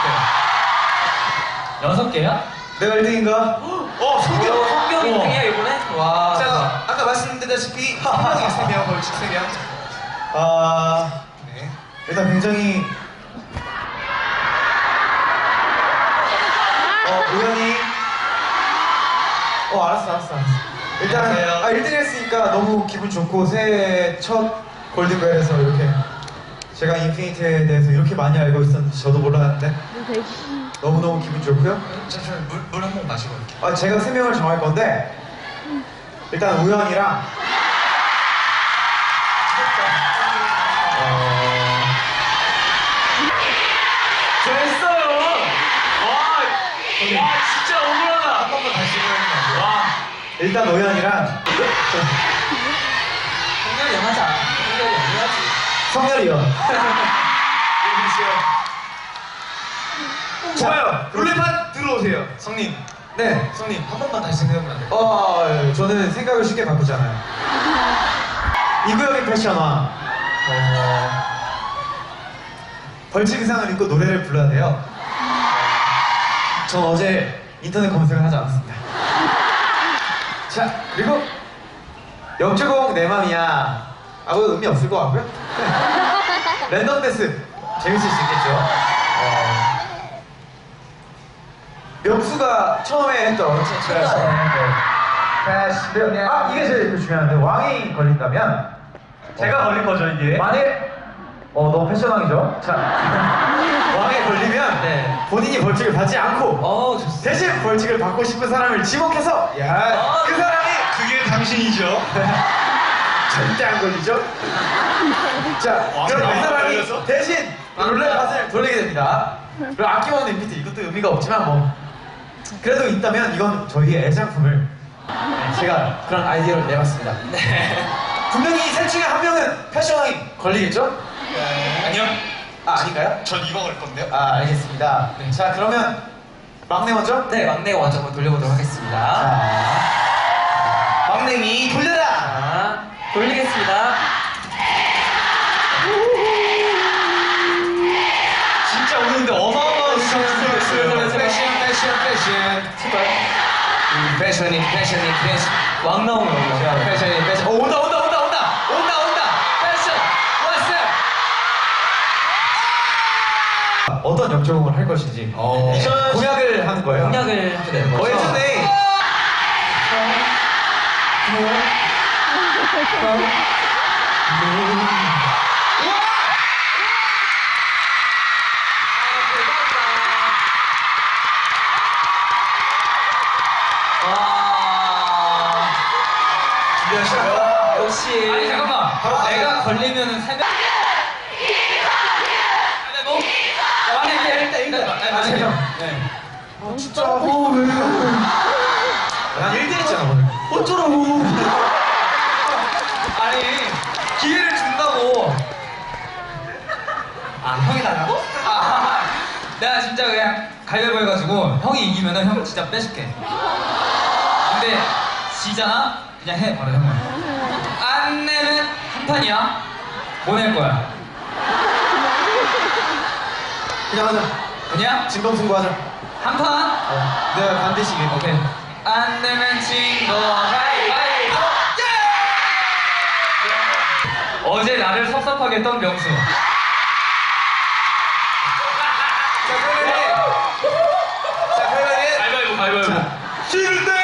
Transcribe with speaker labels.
Speaker 1: 6개야?
Speaker 2: 내가 1등인가?
Speaker 1: 성경 1등이야 이번에? 와.
Speaker 3: 자, 아까 말씀드렸다시피 성경이 3명, 벌칙 3명. 네.
Speaker 2: 일단 굉장히 우연히 알았어. 일단
Speaker 3: 안녕하세요.
Speaker 2: 1등 했으니까 너무 기분 좋고 새해 첫 골든벨에서 이렇게 제가 인피니트에 대해서 이렇게 많이 알고 있었는지 저도 몰랐는데 너무너무 기분 좋고요.
Speaker 3: 잠시만 물 한 번 마시고 올게요.
Speaker 2: 제가 3명을 정할 건데 일단 우연이랑
Speaker 1: 됐어요. 와 진짜 억울하다.
Speaker 3: 한 번만 다시 해보면 안
Speaker 1: 와.
Speaker 2: 일단 우연이랑
Speaker 1: 성렬이 하자. 성렬이 해야지.
Speaker 2: 성열이요.
Speaker 3: 좋아요. 룰레판 들어오세요. 성님.
Speaker 2: 네.
Speaker 3: 성님 한 번만 다시 생각해보면 안 돼요?
Speaker 2: 저는 생각을 쉽게 바꾸잖아요. 이구역의 패션화. 벌칙 의상을 입고 노래를 불러야 돼요. 전 어제 인터넷 검색을 하지 않았습니다. 자, 그리고 역주공 내 맘이야. 아무 의미 없을 것 같고요. 랜덤 댄스 재밌을 수 있겠죠. 명수가 처음에 했던 이게 제일 중요한데 왕이 걸린다면 제가 걸린 거죠 이게. 만일 너무 패션왕이죠. 자 왕에 걸리면
Speaker 1: 네.
Speaker 2: 본인이 벌칙을 받지 않고
Speaker 1: 좋습니다.
Speaker 2: 대신 벌칙을 받고 싶은 사람을 지목해서 그 사람이
Speaker 3: 그게 당신이죠.
Speaker 2: 절대 안 걸리죠. 자 그럼 그
Speaker 3: 왕이
Speaker 2: 사람이
Speaker 3: 걸려서?
Speaker 2: 대신 룰렛을 돌리게 됩니다. 그리고 아낌없는 인피트 이것도 의미가 없지만 뭐 그래도 있다면 이건 저희의 애장품을 제가 그런 아이디어를 내봤습니다.
Speaker 1: 네.
Speaker 2: 분명히 셋 중에 한 명은 패션왕이 걸리겠죠?
Speaker 3: 아니요.
Speaker 2: 아닌가요?
Speaker 3: 전 이거 걸 건데요.
Speaker 2: 알겠습니다. 자 그러면 막내 먼저?
Speaker 1: 네, 막내가 먼저 한번 돌려보도록 하겠습니다.
Speaker 2: 자 막내미 돌려라!
Speaker 1: 자, 돌리겠습니다.
Speaker 3: 진짜 오늘 근데 어마어마한
Speaker 1: 제발.
Speaker 3: 패션.
Speaker 1: 제발.
Speaker 3: 패션이.
Speaker 1: 왕 나오면 올라.
Speaker 3: 패션. 온다. 패션. 왔어.
Speaker 2: 어떤 역조공을 할 것인지 공약을 하는 거예요.
Speaker 1: 공약을 하게 되는 거죠.
Speaker 2: 예전에
Speaker 1: 와.
Speaker 3: 준비하시고요.
Speaker 1: 역시.
Speaker 3: 아니, 잠깐만.
Speaker 1: 내가 걸리면은 새벽.
Speaker 2: 진짜 왜? 난 1등 했잖아 오늘. 어쩌라고?
Speaker 1: 아니 기회를 준다고. 형이 달라고? 내가 진짜 그냥 가위바위보 해가지고 형이 이기면은 형 진짜 뺏을게. 근데 지잖아? 그냥 해 바로 형은. 안 내면 한 판이야. 뭐 낼 거야?
Speaker 2: 그냥 하자.
Speaker 1: 그냥
Speaker 2: 진검승부하자.
Speaker 1: 한 판?
Speaker 2: 내가 반드시 이길
Speaker 1: 오케이. 안 내면 진거 가위바위보. 어제 나를 섭섭하게 했던 명수.
Speaker 3: 자, 그러면
Speaker 1: 가위바위보.
Speaker 2: 싫을 때